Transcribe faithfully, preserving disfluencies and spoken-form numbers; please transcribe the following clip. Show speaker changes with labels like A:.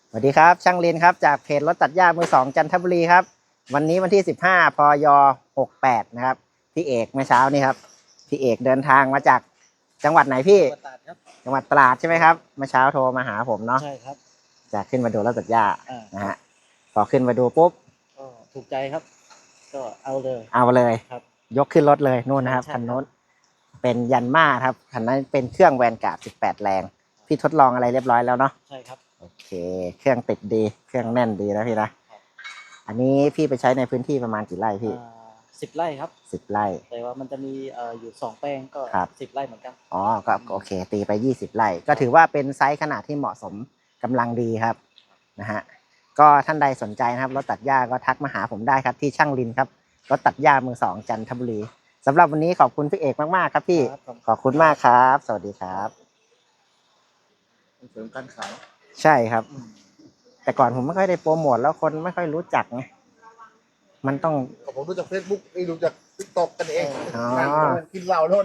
A: สวัสดีครับช่างลินครับจากเพจรถตัดหญ้ามือสองจันทบุรีครับวันนี้วันที่สิบห้าพยหกแปดนะครับพี่เอกเมื่อเช้านี่ครับพี่เอกเดินทางมาจากจังหวัดไหนพี่
B: ตราดครับ
A: จังหวัดตราดใช่ไหมครับเมื่อเช้าโทรมาหาผมเนาะ
B: ใช่ครับ
A: จะขึ้นมาดูรถตัดหญ้า
B: อ่า
A: นะฮะพอขึ้นมาดูปุ๊บ
B: ก็ถูกใจครับ ก็เอาเลย
A: เอาเลย
B: ครับ
A: ยกขึ้นรถเลยนู่นนะครับ
B: ใช่
A: คัน
B: ครับ
A: นู้นเป็นยันมาครับคันนั้นเป็นเครื่องแวนการ์ดสิบแปดแรงพี่ทดลองอะไรเรียบร้อยแล้วเนาะ
B: ใช่ครับ
A: โอเคเครื่องติดดีเครื่องแน่นดีนะพี่นะอันนี้พี่ไปใช้ในพื้นที่ประมาณกี่ไร่พี่
B: สิบไร่ครับ
A: สิบไร่
B: แต่ว่ามันจะมีเอ่ออยู่สองแปลงก็
A: ครับ
B: สิบไร่เหมือนกัน
A: อ๋อก็โอเคตีไปยี่สิบไร่ก็ถือว่าเป็นไซส์ขนาดที่เหมาะสมกำลังดีครับนะฮะก็ท่านใดสนใจนะครับรถตัดหญ้าก็ทักมาหาผมได้ครับที่ช่างลินครับรถตัดหญ้ามือสองจันทบุรีสำหรับวันนี้ขอบคุณพี่เอกมากๆครับพี่
B: ครับผม
A: ขอบคุณมากครับ สวัสดีครับ
C: ส่งเสริมการขาย
A: ใช่ครับ แต่ก่อนผมไม่ค่อยได้โปรโมทแล้วคนไม่ค่อยรู้จักไงมันต้อง
C: ผมรู้จากเฟซบุ๊กนี่รู้จากติ๊กต็อกกันเอง
A: อ๋อ
C: นั่งกินเหล้าโน่น